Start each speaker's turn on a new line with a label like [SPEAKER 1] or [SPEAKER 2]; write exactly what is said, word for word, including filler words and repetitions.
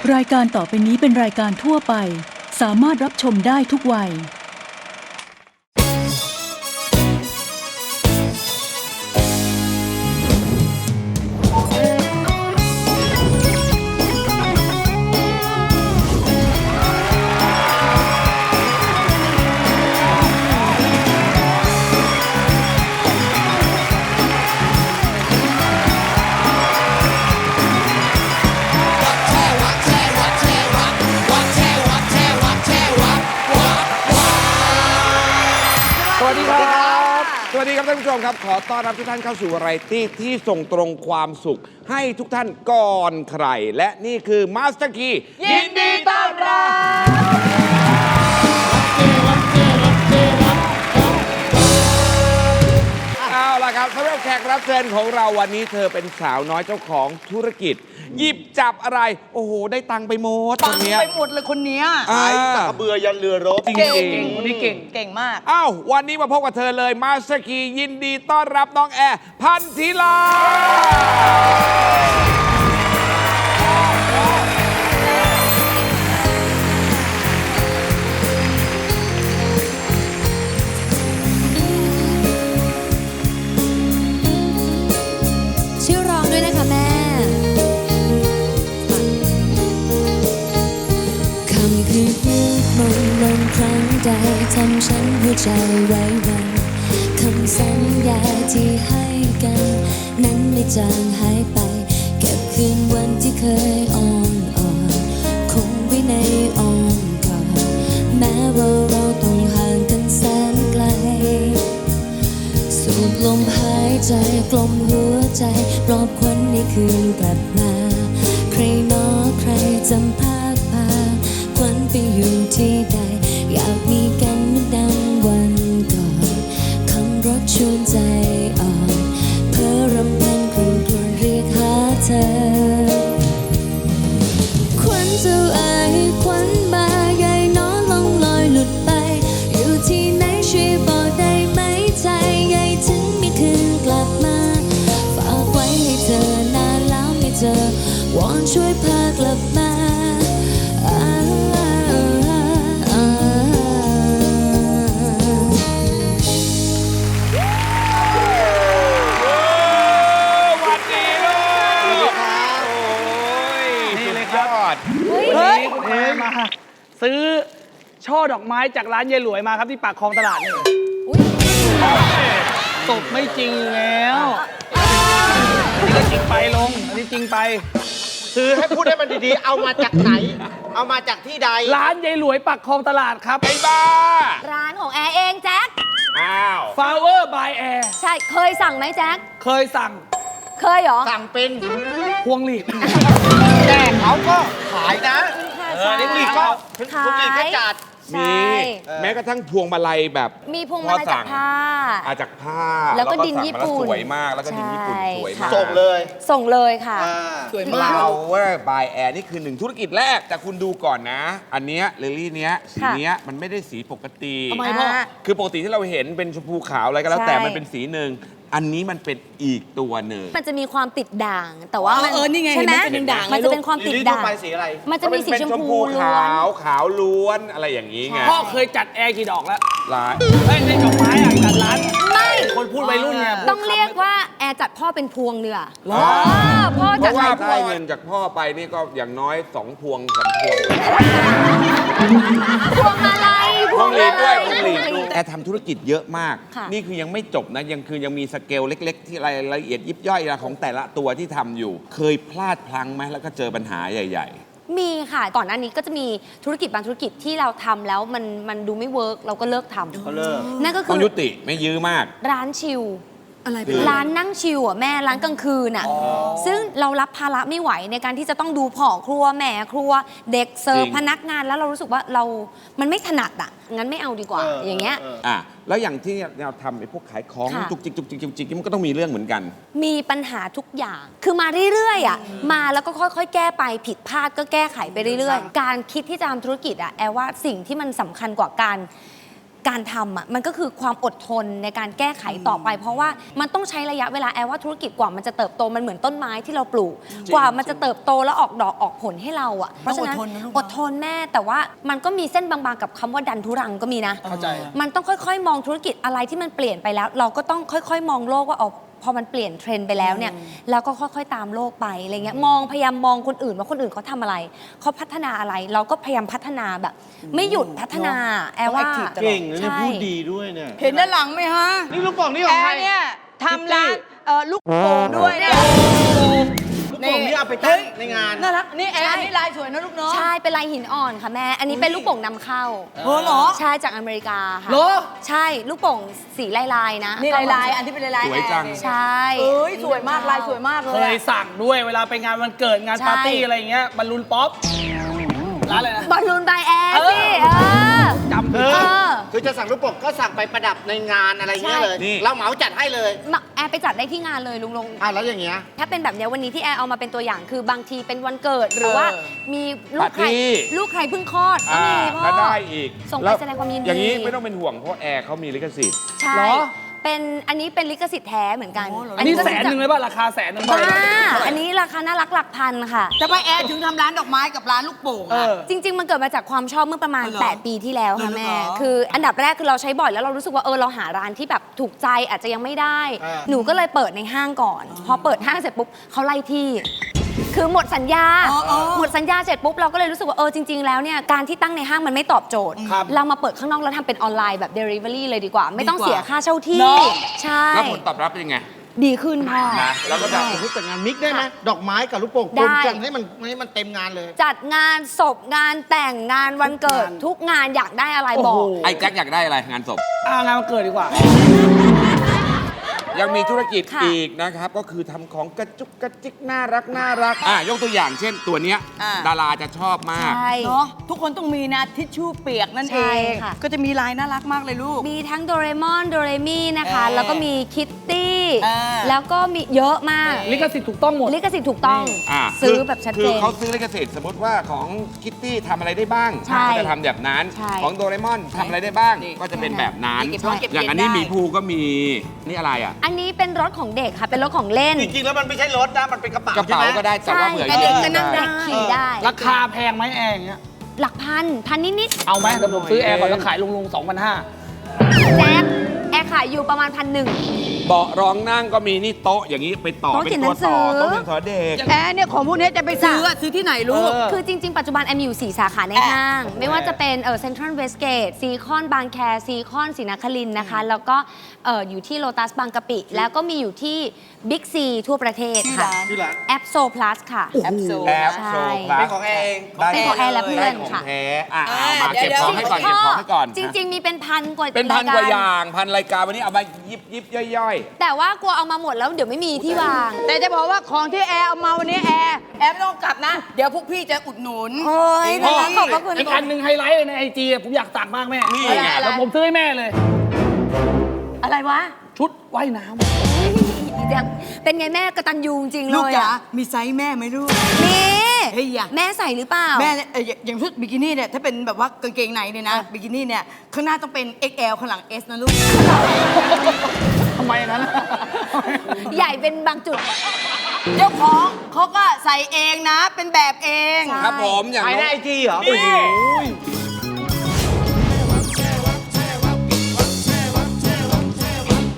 [SPEAKER 1] รายการต่อไปนี้เป็นรายการทั่วไปสามารถรับชมได้ทุกวัย
[SPEAKER 2] สวัสดีครับสวัสดีครับท่านผู้ชมครับขอต้อนรับทุกท่านเข้าสู่วาไรตี้ที่ส่งตรงความสุขให้ทุกท่านก่อนใครและนี่คือมาสเตอร์คียินดีต้อนรับเอาล่ะครับสำหรับแขกรับเชิญของเราวันนี้เธอเป็นสาวน้อยเจ้าของธุรกิจหยิบจับอะไรโอ้โหได้ตังค์ไปหมด
[SPEAKER 3] ปังไปหมดเลยคนนี้
[SPEAKER 2] อ่า
[SPEAKER 4] จากกระเบือยันเรือรบ
[SPEAKER 2] จริง
[SPEAKER 3] เก่ง
[SPEAKER 2] จริง
[SPEAKER 3] คนนี้เก่งเก่งมาก
[SPEAKER 2] อ้าววันนี้มาพบกับเธอเลยมาสเตอร์คียินดีต้อนรับน้องแอร์พันธิลา
[SPEAKER 5] ชื่อร้องด้วยนะคะแม่คำคืนมืดมนลมครั้งใดทำฉันหัวใจไร้วันคำสัญญาที่ให้กันนั้นไม่จางหายไปเก็บคืนวันที่เคยอ่อนอ่อนคงไว้ในอ้อมกอดแม้ว่าเราต้องห่างกันแสนไกลสูดลมหายใจกลมหัวใจปลอบควันในคืนกลับมาใครหนอใครจำภาพพาควันไปอยู่ที่ใดอยากมีกันเหมือนดังวันก่อนคำรักชวนใจอ่อนเพ้อรำพันครวญครวญเรียกหาเธอควันเจ้าเอ๋ยควันมาใหญ่น้อล่องลอยหลุดไปอยู่ที่ไหนช่วยบอกได้ไหมใจใหญ่ถึงไม่คืนกลับมาฝากไว้ให้เธอนานแล้วไม่เจอวอนช่วยพากลับมาอ่าอ่า
[SPEAKER 2] สวัสดีลูกโอ้ย
[SPEAKER 6] นี่เลย
[SPEAKER 2] สุด
[SPEAKER 6] ครับ
[SPEAKER 2] ยอด
[SPEAKER 6] เฮ้ยคุณแอร์มา ซื้อช่อดอกไม้จากร้านยายหลวยมาครับที่ปากคลองตลาดนี่ตบไม่จริงอยู่แล้วอันนี้ก็จริงไปลง อันนี้จริงไป
[SPEAKER 4] ซื้อให้พูดให้มันดีๆ เอามาจากไหน เอามาจากที่ใด
[SPEAKER 6] ร้านยายหลวยปากคลองตลาดครับ
[SPEAKER 2] ไอ้บ้า
[SPEAKER 5] ร้านของแอร์เองแจ็ค
[SPEAKER 2] อ้าว
[SPEAKER 6] Flower by Air
[SPEAKER 5] ใช่เคยสั่งไหมแจ็ค
[SPEAKER 6] เคยสั่ง
[SPEAKER 5] เคยเหรอ
[SPEAKER 4] สั่งเป็น
[SPEAKER 6] พวงหลีด
[SPEAKER 4] แต่เขาก็ขายนะ
[SPEAKER 5] ค่ะ
[SPEAKER 4] เออนี่ลีก็ถึง
[SPEAKER 5] ขาย
[SPEAKER 4] คุณลีก็จัด
[SPEAKER 5] ใช่
[SPEAKER 2] มีแม้กระทั่งพวงมาลัยแบบ
[SPEAKER 5] มีพวงมาลัยจากผ้า
[SPEAKER 2] อาจากผ้า
[SPEAKER 5] แล้วก็ดิน
[SPEAKER 2] สั่ง
[SPEAKER 5] ญี่
[SPEAKER 2] มา
[SPEAKER 5] ปุ่น
[SPEAKER 2] สวยมากแล้วก็ดินญี่ปุ่น
[SPEAKER 5] ใช่
[SPEAKER 2] สวยมาก
[SPEAKER 5] ค่ะ
[SPEAKER 4] ส่งเลย
[SPEAKER 5] ส่งเลยค่ะ
[SPEAKER 4] อ่า
[SPEAKER 6] สวยมาก
[SPEAKER 2] Flower by Air นี่คือหนึ่งธุรกิจแรกแต่คุณดูก่อนนะ อันเนี้ยลิลลี่เนี้ยสี
[SPEAKER 5] ค่ะ
[SPEAKER 2] เนี้ยมันไม่ได้สีปกติ
[SPEAKER 6] ทำไมพ่อ
[SPEAKER 2] คือปกติที่เราเห็นเป็นชมพูขาวอะไรก็แล้วแต่
[SPEAKER 5] ใช่
[SPEAKER 2] มันเป็นสีหนึ่งอันนี้มันเป็นอีกตัวหนึ่ง
[SPEAKER 5] มันจะมีความติดด่าง แต่ว่ามั
[SPEAKER 6] เออนี่ไง
[SPEAKER 5] ใช่ไหม
[SPEAKER 6] เห็นมันเป็นด่าง
[SPEAKER 5] มันจะเป็นความติด
[SPEAKER 4] ลิลลี่
[SPEAKER 5] ด่าง
[SPEAKER 4] ทั่วไปสีอะไร
[SPEAKER 5] มันจะมีสี
[SPEAKER 2] เป็น
[SPEAKER 5] ช
[SPEAKER 2] ช
[SPEAKER 5] ม
[SPEAKER 2] ม
[SPEAKER 5] พู
[SPEAKER 2] พู
[SPEAKER 5] ล้ว
[SPEAKER 2] ขาน วขาวล้วนอะไรอย่างนี้ไง
[SPEAKER 6] พ่อเคยจัดแอร์กี่ดอกแล้ว
[SPEAKER 2] ลาย
[SPEAKER 6] เฮ้ยในดอกไม้อ่ะจัดร้าน
[SPEAKER 5] ไม่
[SPEAKER 6] คนพูดวัยรุ่นไง
[SPEAKER 5] ต้องเรียกว่าแอร์จัดพ่อเป็นพวงเรือ
[SPEAKER 6] หรอ
[SPEAKER 5] พ่อ
[SPEAKER 2] เพ
[SPEAKER 5] จัด
[SPEAKER 2] ราะว่า
[SPEAKER 5] ให้พ่อ
[SPEAKER 2] ได้เงินจากพ่อไปนี่ก็อย่างน้อยสองพวงสามพวง
[SPEAKER 5] พวงมาลัย
[SPEAKER 2] พวงหลีดด้วย
[SPEAKER 5] พ
[SPEAKER 2] พ
[SPEAKER 5] ว
[SPEAKER 2] ว
[SPEAKER 5] ง
[SPEAKER 2] ง
[SPEAKER 5] ห
[SPEAKER 2] ห
[SPEAKER 5] ลี
[SPEAKER 2] ลี
[SPEAKER 5] ด
[SPEAKER 2] ดแอร์ทำธุรกิจเยอะมาก
[SPEAKER 5] ค่ะ
[SPEAKER 2] นี่คือยังไม่จบนะยังคือยังมีสเกลเล็ก ๆ ที่รายละเอียดยิบย่อยของแต่ละตัวที่ทำอยู่ เคยพลาดพลั้งไหมแล้วก็เจอปัญหาใหญ่
[SPEAKER 5] มีค่ะ ก่อนหน้านี้ก็จะมีธุรกิจบางธุรกิจที่เราทำแล้วมันมันดูไม่เวิร์กเราก็เลิกทำ
[SPEAKER 4] ก็เลิก
[SPEAKER 5] นั่นก็
[SPEAKER 2] ๆ
[SPEAKER 5] คื
[SPEAKER 2] ต้อง
[SPEAKER 5] อ
[SPEAKER 2] ยุติไม่ยื้อมาก
[SPEAKER 5] ร้านชิล
[SPEAKER 3] อะไร
[SPEAKER 2] คื
[SPEAKER 3] เป็น
[SPEAKER 2] อ
[SPEAKER 5] ร้านนั่งชิลอ่ะแม่ร้านกลางคืนอ่ะซึ่งเรารับภาระไม่ไหวในการที่จะต้องดูพ่อครัวแม่ครัว เด็กเสิร์ฟ
[SPEAKER 2] จริง
[SPEAKER 5] พนักงานแล้วเรารู้สึกว่าเรามันไม่ถนัดอ่ะงั้นไม่เอาดีกว่า
[SPEAKER 4] เออ
[SPEAKER 5] อย่างเงี้ย
[SPEAKER 4] เออ
[SPEAKER 2] อ่ะแล้วอย่างที่เราทำไอ้พวกขายของ
[SPEAKER 5] ค่ะ
[SPEAKER 2] จุกจิกจุกจิกจุกจิกมันก็ต้องมีเรื่องเหมือนกัน
[SPEAKER 5] มีปัญหาทุกอย่าง คือมาเรื่อยๆอ่ะ มาแล้วก็ค่อยๆ แก้ไป ผิดพลาดก็แก้ไขไปเรื่อยๆ การคิดที่จะทำธุรกิจอ่ะ แอลว่าสิ่งที่มันสำคัญกว่าการ
[SPEAKER 7] การทำอ่ะมันก็คือความอดทนในการแก้ไขต่อไป เพราะว่ามันต้องใช้ระยะเวลาแอลว่าธุรกิจกว่ามันจะเติบโตมันเหมือนต้นไม้ที่เราปลูก กว่ามันจะเติบโตแล้วออกดอกออกผลให้เราอ่ะเพราะฉะนั้น
[SPEAKER 3] ต้องอดทนนะลูก
[SPEAKER 7] อดทนแม่แต่ว่ามันก็มีเส้นบางๆกับคำว่าดันทุรังก็มีนะ
[SPEAKER 6] เข้าใจ
[SPEAKER 7] มันต้องค่อยๆ มองธุรกิจอะไรที่มันเปลี่ยนไปแล้ว เราก็ต้องค่อยๆ มองโลกว่าอ๋อพอมันเปลี่ยนเทรนด์ไปแล้วเนี่ยแล้วก็ค่อยๆ ตามโลกไปอะไรเงี้ยมองพยายามมองคนอื่นว่าคนอื่นเขาทำอะไรเขาพัฒนาอะไร เราก็พยายามพัฒนาแบบ ไม่หยุดพัฒนาแอลว่า
[SPEAKER 3] ต้อง active ตลอด
[SPEAKER 4] เก่งนะเนี่ย
[SPEAKER 7] ใช่
[SPEAKER 4] พูดดีด้วยเนี่ย
[SPEAKER 3] เห็นด้านหลังไหมฮะ
[SPEAKER 4] นี่ลูกโป่งนี่ข
[SPEAKER 3] แอ
[SPEAKER 4] องใคร
[SPEAKER 3] ร์เนี่ยทำร้านเอ่อลูกโป่งด้วยเนี่ย
[SPEAKER 4] ลูกโป่งนี่เอาไปตั้งในงาน
[SPEAKER 3] น่ารักนี่แอร์อันนี่ลายสวยนะลูกเนาะ
[SPEAKER 7] ใช่เป็นลายหินอ่อนค่ะแม่ อันนี้เป็นลูกโป่งนำเข้า
[SPEAKER 3] เออเหรอ
[SPEAKER 7] ใช่จากอเมริกาค่ะ
[SPEAKER 3] เหรอ
[SPEAKER 7] ใช่ลูกโป่งสีลายๆนะ
[SPEAKER 3] นี่ลายลายๆอันที่เป็นลายลาย
[SPEAKER 2] สวยจัง
[SPEAKER 7] ใช่
[SPEAKER 3] เอ้ยสวยมากลายสวยมากเล
[SPEAKER 6] เค
[SPEAKER 3] ย
[SPEAKER 6] ยสั่งด้วยเวลาไปงานวันเกิดงาน
[SPEAKER 7] ใช่
[SPEAKER 6] ปาร์ตี้อะไรอย่างเงี้ยบอลลูนป๊อปร้านอะไรนะ
[SPEAKER 7] บอลลูนไบแอร์สิเออ
[SPEAKER 6] จำ
[SPEAKER 4] เอ
[SPEAKER 6] ผิด
[SPEAKER 4] อ
[SPEAKER 7] เออ
[SPEAKER 4] คือจะสั่งลูกโป่งก็สั่งไปประดับในงานอะไรเงี้ยเลย
[SPEAKER 2] นี่
[SPEAKER 4] เราเหมาจัดให้เลย
[SPEAKER 7] มาแอร์ไปจัดได้ที่งานเลยลุงลง
[SPEAKER 4] อ่ะแล้วอย่างเงี้ย
[SPEAKER 7] ถ้าเป็นแบบเนี้ยวันนี้ที่แอร์เอามาเป็นตัวอย่างคือบางทีเป็นวันเกิดหรือว่า
[SPEAKER 3] เออ
[SPEAKER 7] มีลูกใคร
[SPEAKER 2] ปาร์ตี้
[SPEAKER 7] ลูกใครเพิ่งคลอดก็
[SPEAKER 2] อ่า
[SPEAKER 7] มีพ่อ
[SPEAKER 2] ก็ได้อีก
[SPEAKER 7] ส่งไป
[SPEAKER 2] ล้ว
[SPEAKER 7] แสดงความยินดี
[SPEAKER 2] อย่างนี้ไม่ต้องเป็นห่วงเพราะแอร์เขามีลิขสิทธิ์
[SPEAKER 7] ใช่
[SPEAKER 6] เหรอ
[SPEAKER 7] เป็นอันนี้เป็นลิขสิทธิ์แท้เหมือนกัน
[SPEAKER 3] โอ้เหรอ
[SPEAKER 6] อันนี้
[SPEAKER 7] ก็
[SPEAKER 6] แสนหนึ่งเลยป่ะราคาแสนหนึ่ง
[SPEAKER 7] บ้า
[SPEAKER 6] ป่ะ
[SPEAKER 7] อันนี้ราคาน่ารักหลักพันค่ะ
[SPEAKER 3] จะไปแอร์ถึงทำร้านดอกไม้กับร้านลูกโป่ง
[SPEAKER 6] เอ
[SPEAKER 3] อะ
[SPEAKER 6] อ
[SPEAKER 7] จริง ๆ มันเกิดมาจากความชอบเมื่อประมาณ
[SPEAKER 3] อ๋อเหรอ
[SPEAKER 7] แปด ปีที่แล้วค่ะ
[SPEAKER 3] เหรอ
[SPEAKER 7] แม่
[SPEAKER 3] เหรอ
[SPEAKER 7] คืออันดับแรกคือเราใช้บ่อยแล้วเรารู้สึกว่าเออเราหาร้านที่แบบถูกใจอาจจะยังไม่ได้
[SPEAKER 4] อ่า
[SPEAKER 7] หนูก็เลยเปิดในห้างก่อน พอเปิดห้างเสร็จปุ๊บเขาไล่ที่ คือหมดสัญญา
[SPEAKER 3] อ๋ออ๋อ
[SPEAKER 7] หมดสัญญาเสร็จปุ๊บเราก็เลยรู้สึกว่าเออจริง ๆ แล้วเนี่ยการที่ตั้งในห้างมันไม่ตอบโจทย์
[SPEAKER 6] ครับ
[SPEAKER 7] เรามาเปิดข้างนอกแล้วทำเป็นออนไลน์แบบ Delivery เลยดีกว่า ไม่ต้อง
[SPEAKER 3] ดีกว่า
[SPEAKER 7] เสียค่าเช่าที่
[SPEAKER 3] เนอะ
[SPEAKER 7] ใช่
[SPEAKER 2] แล้วผลตอบรับเป็นยังไง
[SPEAKER 7] ดีขึ้นพ่อ
[SPEAKER 2] นะแล้วก็จะ
[SPEAKER 4] สมมติแต่งงานมิกได้ไหมดอกไม้กับลูกโป่ง
[SPEAKER 7] ได้
[SPEAKER 4] รวมกันให้มันให้มันเต็มงานเลย
[SPEAKER 7] จัดงานศพงานแต่งงานวันเกิด ทุกงานอยากได้อะไรบอก
[SPEAKER 6] โอ้โห
[SPEAKER 2] ไอ้แจ็คอยากได้อะไรงานศพ
[SPEAKER 6] อ่างานวันเกิดดีกว่า
[SPEAKER 2] ยังมีธุรกิจ
[SPEAKER 7] ค่ะ
[SPEAKER 2] อีกนะครับ ก็คือทำของกระจุกกระจิกน่ารักน่ารักอ่ะยกตัวอย่างเช่นตัวเนี้ย
[SPEAKER 3] อ่า
[SPEAKER 2] ดาราจะชอบมาก
[SPEAKER 7] ใช่
[SPEAKER 3] เนาะทุกคนต้องมีนะทิชชู่เปียกนั่น
[SPEAKER 7] ใช่
[SPEAKER 3] เอง
[SPEAKER 7] ค่ะ
[SPEAKER 3] ก็จะมีลายน่ารักมากเลยลูก
[SPEAKER 7] มีทั้งโดเรมอนโดเรมี่นะคะ
[SPEAKER 3] เออ
[SPEAKER 7] แล้วก็มีคิตตี้
[SPEAKER 3] เออ
[SPEAKER 7] แล้วก็มีเยอะมาก
[SPEAKER 6] ลิขสิทธิ์ถูกต้องหมด
[SPEAKER 7] ลิขสิทธิ์ถูกต้อง
[SPEAKER 2] อ่ะ
[SPEAKER 7] ซื้อ
[SPEAKER 2] คื
[SPEAKER 7] แบบชัด
[SPEAKER 2] คื
[SPEAKER 7] เจ
[SPEAKER 2] อน เขาซื้อลิขสิทธิ์สมมติว่าของคิตตี้ทำอะไรได้บ้าง
[SPEAKER 7] ใช่
[SPEAKER 2] ก็จะทำแบบนั้น
[SPEAKER 7] ใช่
[SPEAKER 2] ของโดเรมอนทำอะไรได้บ้าง
[SPEAKER 3] นี่
[SPEAKER 2] ก็จะเป็นแบบนั้น
[SPEAKER 3] นี่เก็บของเก็บ
[SPEAKER 2] อย่างอันนี้
[SPEAKER 3] เย็นได้
[SPEAKER 2] หมีภูก็มีนี่อะไรอ่ะ
[SPEAKER 7] อันนี้เป็นรถของเด็กค่ะ เป็นรถของเล่น
[SPEAKER 4] จริงๆแล้วมันไม่ใช่รถนะ มันเป็นกระเป๋าก
[SPEAKER 2] ระเป๋า
[SPEAKER 4] ใช่หม
[SPEAKER 2] ก็ได้แต่
[SPEAKER 7] ใช่
[SPEAKER 2] ว่าเผื่อ
[SPEAKER 7] ก็เด็กก็
[SPEAKER 2] ยื
[SPEAKER 7] นั่ง
[SPEAKER 2] ได้
[SPEAKER 7] ได้ขี่ได้
[SPEAKER 6] ราคาแพงไหมแอร์อย่างเงี้ย
[SPEAKER 7] หลักพันพันนิด
[SPEAKER 6] เอาไหมเดี๋ยวผมซื้อแอร์ก่อนแล้วขายลุงลุงสองพันห้า
[SPEAKER 7] ๆแจ๊บแอร์ขายอยู่ประมาณพันหนึ่ง
[SPEAKER 2] เบาะรองนั่งก็มีนี่โต๊ะอย่างนี้ไปต่อ
[SPEAKER 7] โต๊ะ
[SPEAKER 2] เป็น
[SPEAKER 7] เขียน
[SPEAKER 2] ตัวต่อ
[SPEAKER 7] หนังสือ
[SPEAKER 2] โต๊ะเรียนสอนเด็ก
[SPEAKER 3] แอร์เนี่ยของพวกเนี้ยจะไปซื้ออะซื้อที่ไหนลูก
[SPEAKER 6] เออ
[SPEAKER 7] คือจริง ๆ ปัจจุบันแอมมีอยู่ สี่ สาขาในห้าง ไม่ว่าจะเป็นเออเซ็นทรัลเวสเกตซีคอนบางแคซีคอนศรีนครินทร์นะคะ แล้วก็เอออยู่ที่โลตัสบางกะปิ แล้วก็มีอยู่ที่บิ๊กซีทั่วประเทศค่ะ
[SPEAKER 4] ที่ร้าน
[SPEAKER 7] แอปโซพลัสค่ะ
[SPEAKER 3] แอปโซ
[SPEAKER 2] แอป
[SPEAKER 7] ใช่
[SPEAKER 2] โชว์คลา
[SPEAKER 4] เป็น
[SPEAKER 2] ส
[SPEAKER 4] ของแอร์เอง
[SPEAKER 2] ได้
[SPEAKER 7] เป็นของแอร์และเพื่อน
[SPEAKER 2] ได้ของ
[SPEAKER 7] ค่ะ
[SPEAKER 2] แท้อ่ะ
[SPEAKER 3] เอ
[SPEAKER 2] เอา
[SPEAKER 3] อ
[SPEAKER 2] มา
[SPEAKER 3] เดี๋ยว
[SPEAKER 2] เก็บของให้ก่อนเก็บของให้ก่อน
[SPEAKER 7] จริง ๆ มีเป็นพันกว่า
[SPEAKER 2] เป็นพันกว่าร
[SPEAKER 7] ย
[SPEAKER 2] อย่างพันรายการวันนี้เอามายิบยิบย่อย
[SPEAKER 7] แต่ว่ากลัวเอามาหมดแล้วเดี๋ยวไม่มีที่วาง
[SPEAKER 3] แต่จะบอกว่าของที่แอร์เอามาวันนี้แอร์แอร์ไม่ต้องกลับนะ เดี๋ยวพวกพี่จะอุดหนุน
[SPEAKER 7] โอ้ยน่ารักขอบพระคุณ
[SPEAKER 6] อีกอันหนึ่งไฮไลท์เลยในไอจีผมอยากตักมากแม่
[SPEAKER 2] ๆนี่
[SPEAKER 3] อะไร
[SPEAKER 2] ไง
[SPEAKER 6] แล้วผมซื้อให้แม่เลย
[SPEAKER 3] อะไรวะ
[SPEAKER 6] ชุดว่ายน้ำ
[SPEAKER 7] เป็นไงแม่กระตันยูจริงๆเล
[SPEAKER 3] ลูก
[SPEAKER 7] ย
[SPEAKER 3] จ๋า
[SPEAKER 7] อะ
[SPEAKER 3] มีไซส์แม่ไหมลูก
[SPEAKER 7] นี่
[SPEAKER 3] เฮ้ยอย่า
[SPEAKER 7] แม่ใส่หรือเปล่า
[SPEAKER 3] แม่เนี่ยเอ่ออย่างอย่างชุดบิกินี่เนี่ยถ้าเป็นแบบว่ากางเกงในเนี่ยนะบิกินี่เนี่ยข้างหน้าต้องเป็น เอ็กซ์ แอล ข้างหลัง S นะลูก
[SPEAKER 6] ทำไมอย่างนั้น
[SPEAKER 7] ใหญ่เป็นบางจุด
[SPEAKER 3] เจ้าของเขาก็ใส่เองนะ เป็นแบบเอง
[SPEAKER 7] ใช่
[SPEAKER 2] ครับผมอย่าง
[SPEAKER 4] ไป
[SPEAKER 2] น้
[SPEAKER 4] ใน
[SPEAKER 2] อง
[SPEAKER 4] ไอจีเหรอ
[SPEAKER 2] นี่